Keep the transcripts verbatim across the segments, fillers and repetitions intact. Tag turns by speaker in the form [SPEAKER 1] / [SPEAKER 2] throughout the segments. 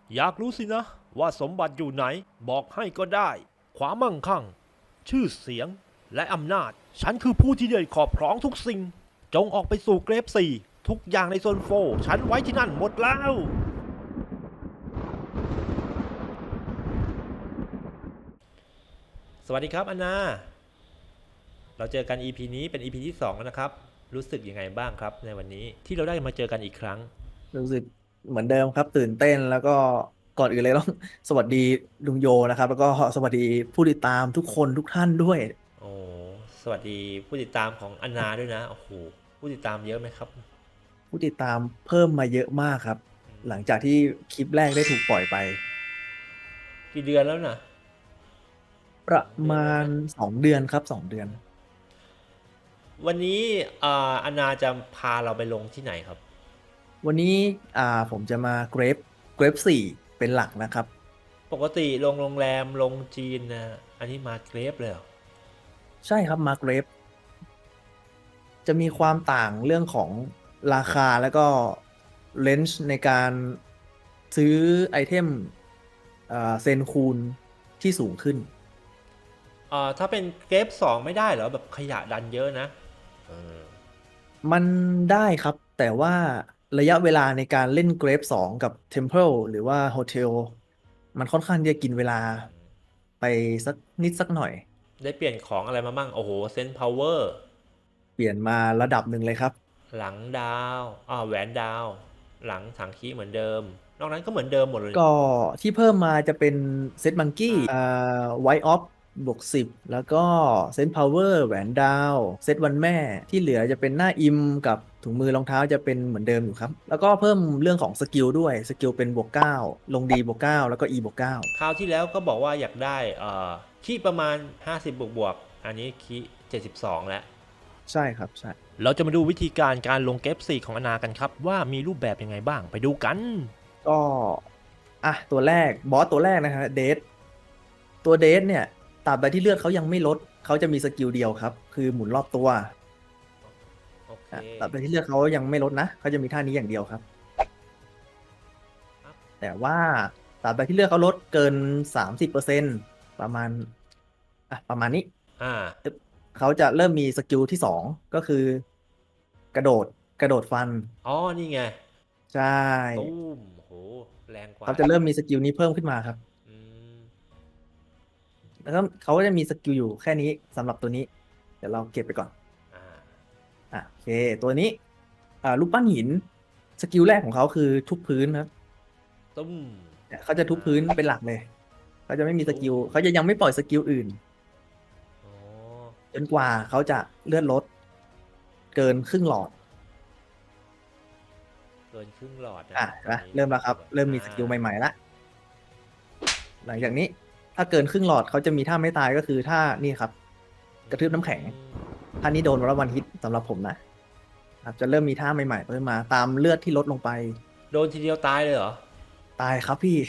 [SPEAKER 1] อยากรู้สินะว่าสมบัติอยู่ไหนบอกให้ก็ได้ความมั่งคั่งชื่อเสียงและอำนาจฉันคือผู้ที่ได้ครอบครองทุกสิ่งจงออกไปสู่เกรฟสี่ทุกอย่างในโซนโฟฉันไว้ที่นั่นหมดแล้วสวัสดีครับอนนาเราเจอกัน อี พี นี้เป็น อี พี ที่สองแล้วนะครับรู้สึกยังไงบ้างครับในวันนี้ที่เราได้มาเจอกันอีกครั้ง
[SPEAKER 2] รู้สึกเหมือนเดิมครับตื่นเต้นแล้วก็ก่อนอื่นเลยต้องสวัสดีลุงโยนะครับแล้วก็สวัสดีผู้ติดตามทุกคนทุกท่านด้วย
[SPEAKER 1] โอ้สวัสดีผู้ติดตามของอนนาด้วยนะโอ้โหผู้ติดตามเยอะไหมครับ
[SPEAKER 2] ผู้ติดตามเพิ่มมาเยอะมากครับหลังจากที่คลิปแรกได้ถูกปล่อยไป
[SPEAKER 1] กี่เดือนแล้วนะ
[SPEAKER 2] ประ
[SPEAKER 1] เดือน
[SPEAKER 2] มาณ
[SPEAKER 1] แล้วไหม
[SPEAKER 2] สองเดือนครับสองเดือน
[SPEAKER 1] วันนี้อ่าอนาจะพาเราไปลงที่ไหนครับ
[SPEAKER 2] วันนี้อ่าผมจะมาเกรฟเกรฟสี่เป็นหลักนะครับ
[SPEAKER 1] ปกติลงโรงแรมลงจีนนะอันนี้มาเกรฟเลยเหรอ
[SPEAKER 2] ใช่ครับมาเกรฟจะมีความต่างเรื่องของราคาแล้วก็เลนส์ในการซื้อไอเทมอ่าเซนคูณที่สูงขึ้น
[SPEAKER 1] อ่าถ้าเป็นเกรฟสองไม่ได้เหรอแบบขยะดันเยอะนะเออ
[SPEAKER 2] มันได้ครับแต่ว่าระยะเวลาในการเล่นเกรฟสองกับ Temple หรือว่า Hotel มันค่อนข้างที่จะกินเวลาไปสักนิดสักหน่อย
[SPEAKER 1] ได้เปลี่ยนของอะไรมาบ้างโอ้โหเซนต์พาวเวอร์
[SPEAKER 2] เปลี่ยนมาระดับหนึ่งเลยครับ
[SPEAKER 1] หลังดาวอ่าแหวนดาวหลังถังคีเหมือนเดิมนอกนั้นก็เหมือนเดิมหมดเลย
[SPEAKER 2] ก็ที่เพิ่มมาจะเป็นเซตมังกี้อ่าไวท์ออฟบวกสิบแล้วก็เซนพาวเวอร์แหวนดาวเซตวันแม่ที่เหลือจะเป็นหน้าอิมกับถุงมือรองเท้าจะเป็นเหมือนเดิมอยู่ครับแล้วก็เพิ่มเรื่องของสกิลด้วยสกิลเป็นบวกเก้าลงดีบวกเก้าแล้วก็ E บวกเก้า
[SPEAKER 1] คราวที่แล้วก็บอกว่าอยากได้เอ่อคีประมาณห้าสิบบวกบวกอันนี้คีเจ็ดสิบสองแล้ว
[SPEAKER 2] ใช่ครับใช่
[SPEAKER 1] เราจะมาดูวิธีการการลงเกฟสี่ของอนากันครับว่ามีรูปแบบยังไงบ้างไปดูกัน
[SPEAKER 2] ก็อ่ะตัวแรกบอสตัวแรกนะฮะเดทตัวเดทเนี่ยตราบใดที่เลือดเขายังไม่ลดเขาจะมีสกิลเดียวครับคือหมุนรอบตัว
[SPEAKER 1] โอเค
[SPEAKER 2] อ่ะตราบใดที่เลือดเขายังไม่ลดนะเขาจะมีท่านี้อย่างเดียวครับ
[SPEAKER 1] ครับ
[SPEAKER 2] แต่ว่าตราบใดที่เลือดเขาลดเกินสามสิบเปอร์เซ็นต์ประมาณอ่ะประมาณนี้
[SPEAKER 1] อ่า
[SPEAKER 2] ตึ๊บเขาจะเริ่มมีสกิลที่สองก็คือกระโดดกระโดดฟัน
[SPEAKER 1] อ๋อนี่ไง
[SPEAKER 2] ใช่
[SPEAKER 1] ตู้มโหแรงกว่า
[SPEAKER 2] เขาจะเริ่มมีสกิลนี้เพิ่มขึ้นมาครับ
[SPEAKER 1] อืม
[SPEAKER 2] แล้วก็เขาก็จะมีสกิลอยู่แค่นี้สำหรับตัวนี้เดี๋ยวเราเก็บไปก่อน
[SPEAKER 1] อ่า
[SPEAKER 2] อ่ะโอเคตัวนี้อ่ารูปปั้นหินสกิลแรกของเขาคือทุบพื้นครับ
[SPEAKER 1] ตุ้ม
[SPEAKER 2] เนี่ยเขาจะทุบ
[SPEAKER 1] อ่า
[SPEAKER 2] พื้นเป็นหลักเลยเขาจะไม่มีส
[SPEAKER 1] ตุ้ม
[SPEAKER 2] กิลเขาจะยังไม่ปล่อยสกิลอื่น
[SPEAKER 1] อ๋อ
[SPEAKER 2] จนกว่าเขาจะเลื่อนลดเกินครึ่งหลอด
[SPEAKER 1] เกินครึ่งหลอด
[SPEAKER 2] อ่ะ
[SPEAKER 1] นะครับตอน
[SPEAKER 2] นะ
[SPEAKER 1] นี้
[SPEAKER 2] เริ่มแล้วครับ
[SPEAKER 1] ดูก่อน
[SPEAKER 2] เริ่มมี
[SPEAKER 1] อ่า
[SPEAKER 2] สกิลใหม่ๆละหลังจากนี้ถ้าเกินครึ่งหลอดเขาจะมีท่าไม่ตายก็คือท่านี่ครับ
[SPEAKER 1] อื
[SPEAKER 2] กระทืบน้ำแข็ง
[SPEAKER 1] ม
[SPEAKER 2] ท่านี้โดนวันละวันฮิตสำหรับผมนะครับจะเริ่มมีท่าใหม่ๆเพิ่มมาตามเลือดที่ลดลงไป
[SPEAKER 1] โดนทีเดียวตายเลยเหรอ
[SPEAKER 2] ตายครับพี่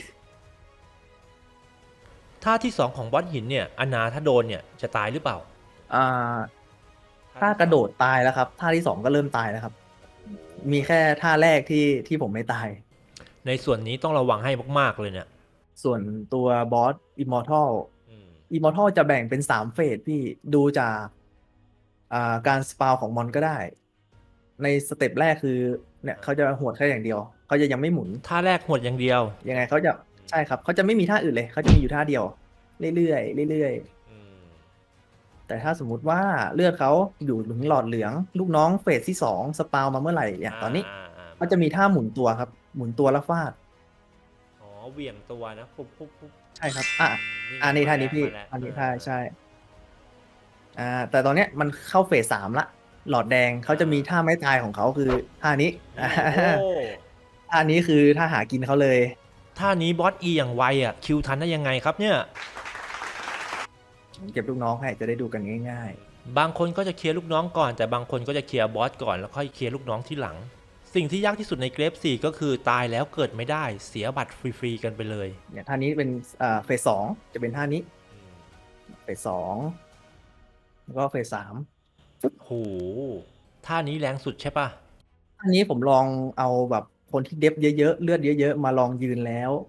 [SPEAKER 1] ท่าที่สองของบอสหินเนี่ยอนาถ้าโดนเนี่ยจะตายหรือเปล่า
[SPEAKER 2] อ่า
[SPEAKER 1] ท่า
[SPEAKER 2] ถ้ากระโด
[SPEAKER 1] ที่สอง
[SPEAKER 2] ดตายแล้วครับท่าที่สองก็เริ่มตายแล้วครับ
[SPEAKER 1] โอ้โห
[SPEAKER 2] มีแค่ท่าแรกที่ที่ผมไม่ตาย
[SPEAKER 1] ในส่วนนี้ต้องระวังให้มากๆเลยเนี่ย
[SPEAKER 2] ส่วนตัวบอสอิมมอร์ทัล
[SPEAKER 1] อืม
[SPEAKER 2] อิมมอร์ทัลจะแบ่งเป็นสามเฟสพี่ดูจากอ่าการสปาวของมอนก็ได้ในสเต็ปแรกคือเนี่ยเขาจะหวดแค่อย่างเดียวเขาจะยังไม่หมุน
[SPEAKER 1] ท่าแรกหดอย่างเดียว
[SPEAKER 2] ยังไงเขาจะใช่ครับเขาจะไม่มีท่าอื่นเลยเขาจะมีอยู่ท่าเดียวเรื่อยๆเรื่อย
[SPEAKER 1] อืม
[SPEAKER 2] ๆแต่ถ้าสมมุติว่าเลือดเขาอยู่ถึงหลอดเหลืองลูกน้องเฟสที่สองสปาวมาเมื่อไหร่อย่าง
[SPEAKER 1] อ่า
[SPEAKER 2] ตอนนี้
[SPEAKER 1] อ่าอ่า
[SPEAKER 2] เขาจะมีท่าหมุนตัวครับหมุนตัวแล้วฟาด
[SPEAKER 1] อ๋อเหวี่ยงตัวนะปุ๊บปุ๊บปุ๊บ
[SPEAKER 2] ใช่ครับอ่ะ
[SPEAKER 1] อืมนี่
[SPEAKER 2] อ่านี่
[SPEAKER 1] ไงมา
[SPEAKER 2] ท่านี้พี่
[SPEAKER 1] แล้วมาแล้ว
[SPEAKER 2] ท่านี้
[SPEAKER 1] อ่า
[SPEAKER 2] ท่าใช่อ่าแต่ตอนเนี้ยมันเข้าเฟสสามละหลอดแดงเขา
[SPEAKER 1] อ่
[SPEAKER 2] จะมีท่า
[SPEAKER 1] า
[SPEAKER 2] ไม้ตายของเขาคือท่านี้อ่า
[SPEAKER 1] นี่โอ้
[SPEAKER 2] ท่านี้คือท่าหากินเขาเลย
[SPEAKER 1] ท่านี้บอสอีอย่างไวอ่ะคิวทันได้ยังไงครับเนี่ย
[SPEAKER 2] ผมเก็บลูกน้องให้จะได้ดูกันง่าย
[SPEAKER 1] บางคนก็จะเคลียร์ลูกน้องก่อนแต่บางคนก็จะเคลียร์บอสก่อนแล้วค่อยเคลียร์ลูกน้องที่หลังสิ่งที่ยากที่สุดในเกรฟสี่ก็คือตายแล้วเกิดไม่ได้เสียบัตรฟรีๆกันไปเลย
[SPEAKER 2] ๆเนี่ยท่านี้เป็นอ่าเฟสสองจะเป็นท่านี้
[SPEAKER 1] อืม
[SPEAKER 2] เฟสสองแล้วก็เฟสสาม
[SPEAKER 1] โหท่านี้แรงสุดใช่ปะ
[SPEAKER 2] ท่านี้ผมลองเอาแบบคนที่เดฟเยอะๆเลือดเยอะๆมาลองยืนแล้ว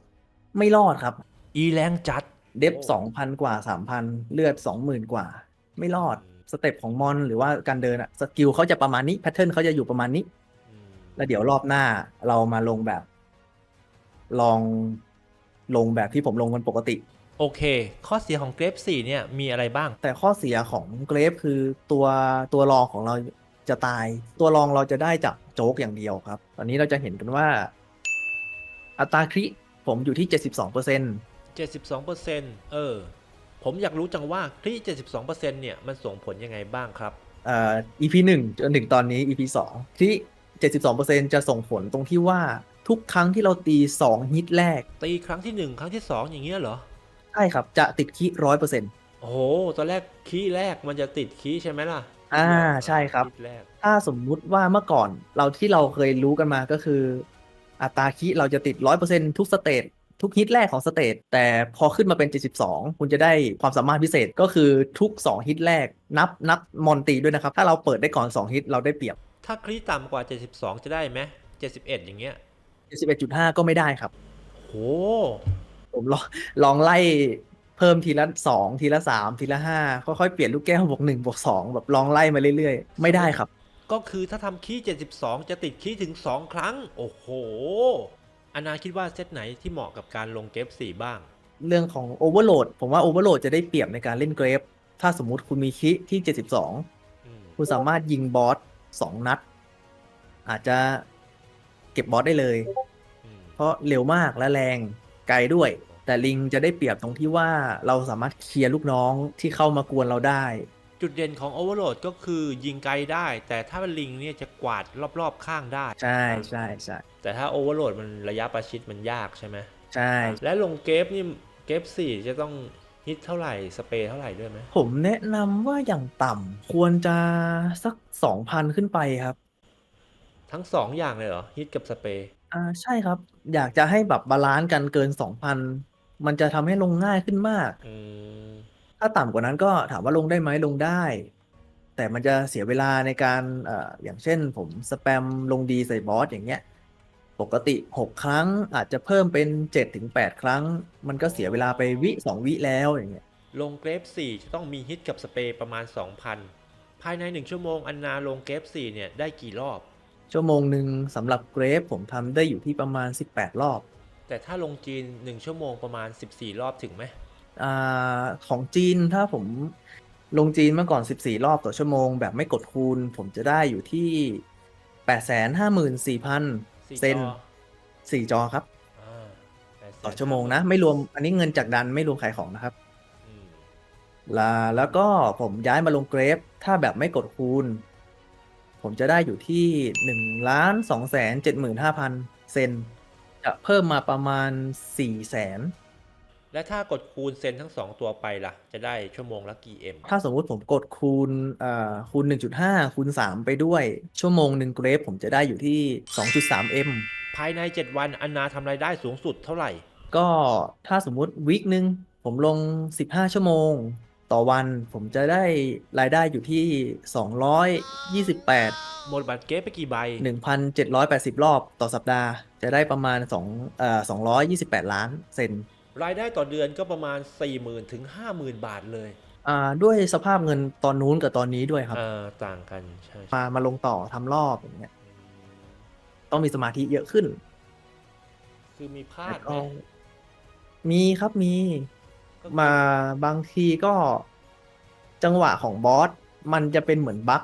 [SPEAKER 2] ไม่รอดครับ
[SPEAKER 1] อีแรงจัด
[SPEAKER 2] เดฟสองพันกว่าสามพันเลือดสองหมื่นกว่า ไม่รอดสเต็ปของมอนหรือว่าการเดินอะสกิลเขาจะประมาณนี้แพทเทิร์นเขาจะอยู่ประมาณนี้
[SPEAKER 1] อืม
[SPEAKER 2] แล้วเดี๋ยวรอบหน้าเรามาลงแบบ ลองลงแบบที่ผมลงกันปกติ
[SPEAKER 1] โอเค ข้อเสียของเกรฟสี่เนี่ยมีอะไรบ้าง
[SPEAKER 2] แต่ข้อเสียของเกรฟคือตัวตัวรองของเราจะตาย ตัวรองเราจะได้จากโจ๊กอย่างเดียวครับ ตอนนี้เราจะเห็นกันว่า อัตราคริผมอยู่ที่ เจ็ดสิบสองเปอร์เซ็นต์
[SPEAKER 1] เจ็ดสิบสองเปอร์เซ็นต์ เออ ผมอยากรู้จังว่าคลี่ เจ็ดสิบสองเปอร์เซ็นต์ เนี่ยมันส่งผลยังไงบ้างครับ
[SPEAKER 2] เอ่อ อี พี หนึ่งจนถึงตอนนี้ อี พี สองที่ เจ็ดสิบสองเปอร์เซ็นต์ จะส่งผลตรงที่ว่าทุกครั้งที่เราตีสองฮิตแรก
[SPEAKER 1] ตีครั้งที่หนึ่งครั้งที่สองอย่างเงี้ยเหรอ
[SPEAKER 2] ใช่ครับ จะติดคิร้อยเปอร์เซ็นต์
[SPEAKER 1] โอ้โห ตอนแรกคีย์แรกมันจะติดคีย์ใช่ไหมล่ะ
[SPEAKER 2] อ่าใช่ครับ
[SPEAKER 1] คีย์แรก
[SPEAKER 2] ถ้าสมมุติว่าเมื่อก่อนเราที่เราเคยรู้กันมาก็คือ อัตราคิเราจะติด ร้อยเปอร์เซ็นต์ ทุกสเตจทุกฮิตแรกของสเตจแต่พอขึ้นมาเป็น เจ็ดสิบสอง คุณจะได้ความสามารถพิเศษก็คือทุก สอง ฮิตแรกนับนับมอนตีด้วยนะครับ ถ้าเราเปิดได้ก่อน สอง ฮิตเราได้เปรียบ
[SPEAKER 1] ถ้าคลี่ต่ำกว่า เจ็ดสิบสอง จะได้ไหมเจ็ดสิบเอ็ด อย่างเงี้ย
[SPEAKER 2] เจ็ดสิบเอ็ดจุดห้า ก็ไม่ได้ครับ
[SPEAKER 1] โห
[SPEAKER 2] ผมลองลองไล่เพิ่มทีละสองทีละสามทีละห้าค่อยๆเปลี่ยนลูกแก้วบวกหนึ่งบวกสองแบบลองไล่มาเรื่อยๆ ไม่ได้ครับ
[SPEAKER 1] ก็คือถ้าทำคีย์เจ็ดสิบสอง จะติดคีย์ถึง สอง ครั้ง โอ้โหอานาคิดว่าเซตไหนที่เหมาะกับการลงเกฟสี่บ้าง
[SPEAKER 2] เรื่องของโอเวอร์โหลดผมว่าโอเวอร์โหลดจะได้เปรียบในการเล่นเกรฟถ้าสมมุติคุณมีคิที่ เจ็ดสิบสอง
[SPEAKER 1] อืม
[SPEAKER 2] คุณสามารถยิงบอสสองนัด อาจจะเก็บบอสได้เลย
[SPEAKER 1] อืม
[SPEAKER 2] เพราะเร็วมากและแรงไกลด้วย แต่ลิงจะได้เปรียบตรงที่ว่าเราสามารถเคลียร์ลูกน้องที่เข้ามากวนเราได้
[SPEAKER 1] จุดเด่นของ Overload ก็คือยิงไกลได้ แต่ถ้าเป็นลิงเนี่ยจะกวาดรอบๆข้างได้
[SPEAKER 2] ใช่ใช่ใช่
[SPEAKER 1] แต่ถ้า Overload มันระยะประชิดมันยากใช่ไหม
[SPEAKER 2] ใช่
[SPEAKER 1] และลงเกฟนี่เกฟสี่จะต้องฮิตเท่าไหร่สเปรย์เท่าไหร่ด้วยไหม
[SPEAKER 2] ผมแนะนำว่าอย่างต่ำควรจะสัก สองพัน ขึ้นไปครับ
[SPEAKER 1] ทั้งสองอย่างเลยเหรอฮิตกับสเปรย์
[SPEAKER 2] อ่าใช่ครับ อยากจะให้แบบบาลานซ์กันเกิน สองพัน มันจะทำให้ลงง่ายขึ้นมาก
[SPEAKER 1] อืม
[SPEAKER 2] ถ้าต่ำกว่านั้นก็ถามว่าลงได้ไหมลงได้ แต่มันจะเสียเวลาในการเอ่ออย่างเช่นผมสแปมลงดีใส่บอสอย่างเงี้ย ปกติ หก ครั้งอาจจะเพิ่มเป็น เจ็ดถึงแปด ครั้ง มันก็เสียเวลาไปวิ สอง วิแล้วอย่างเงี้ย
[SPEAKER 1] ลงเกรฟสี่จะต้องมีฮิตกับสเปรย์ประมาณ สองพัน ภายในหนึ่งชั่วโมงอันนาลงเกรฟสี่เนี่ยได้กี่รอบ
[SPEAKER 2] ชั่วโมงหนึ่งสำหรับเกรฟผมทำได้อยู่ที่ประมาณ สิบแปด รอบ
[SPEAKER 1] แต่ถ้าลงจีนหนึ่งชั่วโมงประมาณสิบสี่รอบถึงไหม
[SPEAKER 2] อ่าของจีนถ้าผมลงจีนเมื่อก่อน สิบสี่ รอบต่อชั่วโมงแบบไม่กดคูณ ผมจะได้อยู่ที่ แปดแสนห้าหมื่นสี่พัน
[SPEAKER 1] สี่
[SPEAKER 2] เซน
[SPEAKER 1] จอ
[SPEAKER 2] สี่จอครับ
[SPEAKER 1] อ่าแปดแสน
[SPEAKER 2] ต่อชั่วโมงนะ ไม่รวมอันนี้เงินจากดันไม่รวมขายของนะครับ
[SPEAKER 1] อืม
[SPEAKER 2] ลาแล้วก็ผมย้ายมาลงเกรฟถ้าแบบไม่กดคูณ ผมจะได้อยู่ที่หนึ่งล้านสองแสนเจ็ดหมื่นห้าพันเซนจะเพิ่มมาประมาณสี่แสน
[SPEAKER 1] และถ้ากดคูณเซนทั้งสองตัวไปล่ะ จะได้ชั่วโมงละกี่เอ็ม
[SPEAKER 2] ถ้าสมมุติผมกดคูณเอ่อคูณ หนึ่งจุดห้า คูณ สาม ไปด้วย ชั่วโมงหนึ่งเกรฟผมจะได้อยู่ที่ สองจุดสาม เอ็ม
[SPEAKER 1] ภายในเจ็ดวันอันนาทำรายได้สูงสุดเท่าไหร่
[SPEAKER 2] ก็ถ้าสมมุติวีคหนึ่งผมลง สิบห้า ชั่วโมง ต่อวันผมจะได้รายได้อยู่ที่ สองร้อยยี่สิบแปด
[SPEAKER 1] หมดบัตรเกฟไปกี่ใบ
[SPEAKER 2] หนึ่งพันเจ็ดร้อยแปดสิบ รอบต่อสัปดาห์ จะได้ประมาณ2เอ่อสองร้อยยี่สิบแปด ล้านเซน
[SPEAKER 1] รายได้ต่อเดือนก็ประมาณ สี่หมื่น ถึง ห้าหมื่น บาทเลย
[SPEAKER 2] อ่าด้วยสภาพเงินตอนนู้นกับตอนนี้ด้วยครับ
[SPEAKER 1] อ่าต่างกันใช่
[SPEAKER 2] มามาลงต่อทำรอบอย่างเงี้ยต้องมีสมาธิเยอะขึ้น
[SPEAKER 1] คือมีพลา
[SPEAKER 2] แล้
[SPEAKER 1] ด
[SPEAKER 2] ว
[SPEAKER 1] ไหม
[SPEAKER 2] ก็มีครับมี
[SPEAKER 1] ก็คือ
[SPEAKER 2] มาบางทีก็จังหวะของบอส มันจะเป็นเหมือนบั๊ก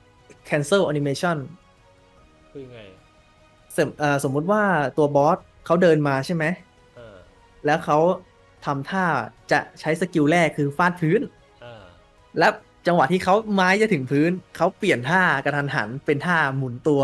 [SPEAKER 2] cancel animation
[SPEAKER 1] คือไง
[SPEAKER 2] สมเอ่อสมมุติว่าตัวบอสเขาเดินมาใช่ไหม
[SPEAKER 1] อ่า
[SPEAKER 2] แล้วเขาทำท่าจะใช้สกิลแรกคือฟาดพื้น
[SPEAKER 1] อ่า
[SPEAKER 2] แล้วจังหวะที่เขาไม้จะถึงพื้น เขาเปลี่ยนท่ากระทันหันเป็นท่าหมุนตัว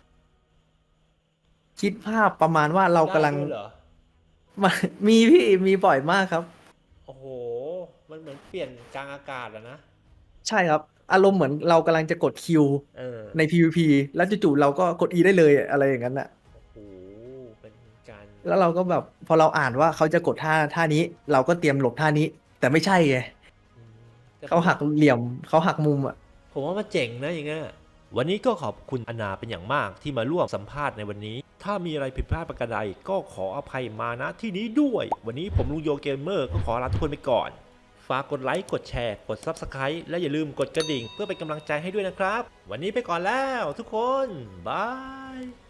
[SPEAKER 2] คิดภาพประมาณว่าเรากำลัง
[SPEAKER 1] ได้ด้วยเหรอ
[SPEAKER 2] มามีพี่มีบ่อยมากครับ
[SPEAKER 1] โอ้โห มันเหมือนเปลี่ยนกลางอากาศอะนะ
[SPEAKER 2] ใช่ครับ อารมณ์เหมือนเรากำลังจะกดคิว
[SPEAKER 1] เออ
[SPEAKER 2] ใน พี วี พี แล้วจู่ๆเราก็กด E ได้เลยอะไรอย่างนั้นน่ะ
[SPEAKER 1] โอ้โห เป็นการ
[SPEAKER 2] แล้วเราก็แบบพอเราอ่านว่าเขาจะกดท่าท่านี้ เราก็เตรียมหลบท่านี้ แต่ไม่ใช่ไง
[SPEAKER 1] อืมแต่
[SPEAKER 2] เขาหักเหลี่ยมเขาหักมุมอ่ะ
[SPEAKER 1] ผมว่ามันเจ๋งนะอย่างเงี้ยวันนี้ก็ขอบคุณอนาเป็นอย่างมากที่มาร่วมสัมภาษณ์ในวันนี้ถ้ามีอะไรผิดพลาดประการใดก็ขออภัยมาณที่นี้ด้วยวันนี้ผมลุงโยเกมเมอร์ก็ขอลาทุกคนไปก่อนฝากกดไลค์กดแชร์กด ซับสไครบ์ และอย่าลืมกดกระดิ่งเพื่อเป็นกำลังใจให้ด้วยนะครับวันนี้ไปก่อนแล้วทุกคนบาย